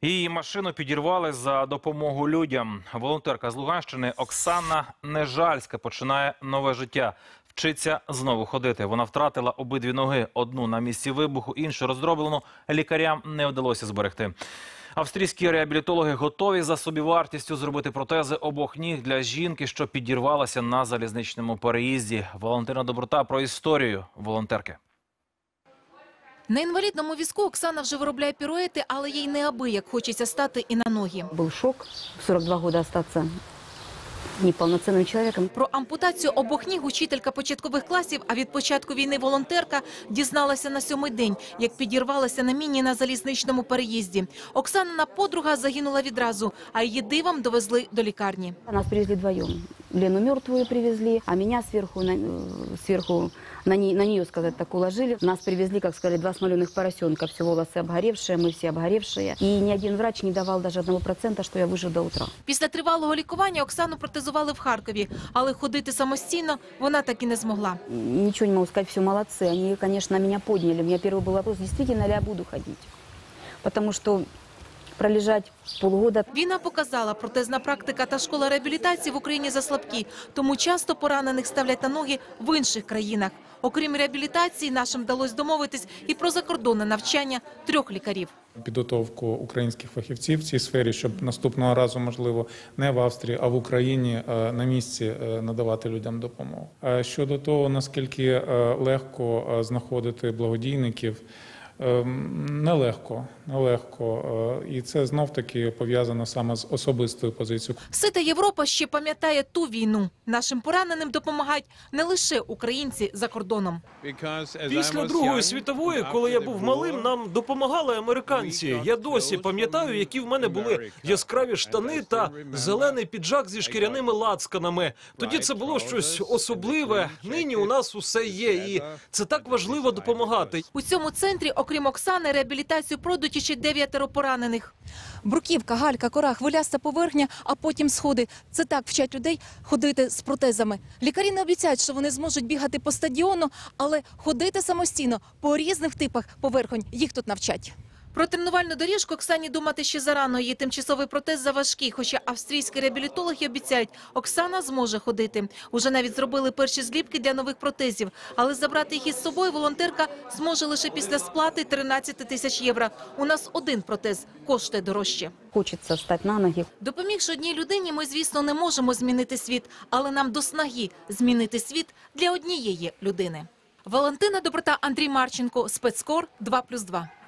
Її машину підірвали за допомогу людям. Волонтерка з Луганщини Оксана Нежальська починає нове життя. Вчиться знову ходити. Вона втратила обидві ноги. Одну на місці вибуху, іншу роздроблену. Лікарям не вдалося зберегти. Австрійські реабілітологи готові за собівартістю зробити протези обох ніг для жінки, що підірвалася на залізничному переїзді. Валентина Доброта про історію волонтерки. На інвалідному візку Оксана вже виробляє піруети, але їй неабияк хочеться стати і на ноги. Був шок в 42 роки остатися неповноцінним чоловіком. Про ампутацію обох ніг учителька початкових класів, а від початку війни волонтерка, дізналася на 7-й день, як підірвалася на міні на залізничному переїзді. Оксанина подруга загинула відразу, а її дивом довезли до лікарні. Нас привезли вдвоєм. Лену мертвую привезли, а меня сверху на нее, сказать так, уложили. Нас привезли, как сказали, 2 смоленых поросенка, все волосы обгоревшие, мы все обгоревшие. И ни один врач не давал даже 1%, что я выживу до утра. Після тривалого лікування Оксану протезували в Харкові, але ходити самостійно вона так і не змогла. Ничего не могу сказать, все молодцы. Они, конечно, меня подняли. У меня первый был вопрос, действительно ли я буду ходить. Потому что пролежать полгода. Війна показала, протезна практика та школа реабілітації в Україні заслабкі, тому часто поранених ставлять на ноги в інших країнах. Окрім реабілітації, нашим вдалося домовитись і про закордонне навчання 3 лікарів. Підготовку українських фахівців в цій сфері, щоб наступного разу, можливо, не в Австрії, а в Україні на місці надавати людям допомогу. Щодо того, наскільки легко знаходити благодійників, нелегко. І це знов-таки пов'язано саме з особистою позицією. Сита Європа ще пам'ятає ту війну. Нашим пораненим допомагають не лише українці за кордоном. Після Другої світової, коли я був малим, нам допомагали американці. Я досі пам'ятаю, які в мене були яскраві штани та зелений піджак зі шкіряними лацканами. Тоді це було щось особливе. Нині у нас усе є, і це так важливо допомагати. У цьому центрі, окрім Оксани, реабілітацію пройдуть ще 9 поранених. Бруківка, галька, кора, хвиляста поверхня, а потім сходи. Це так вчать людей ходити з протезами. Лікарі не обіцяють, що вони зможуть бігати по стадіону, але ходити самостійно по різних типах поверхонь їх тут навчать. Про тренувальну доріжку Оксані думати ще зарано. Її тимчасовий протез заважкий, хоча австрійські реабілітологи обіцяють, Оксана зможе ходити. Уже навіть зробили перші зліпки для нових протезів. Але забрати їх із собою волонтерка зможе лише після сплати 13 тисяч євро. У нас один протез коштує дорожче. Хочеться стати на ноги. Допомігши одній людині, ми, звісно, не можемо змінити світ, але нам до снаги змінити світ для однієї людини. Валентина Доброта, Андрій Марченко, Спецкор 2+2.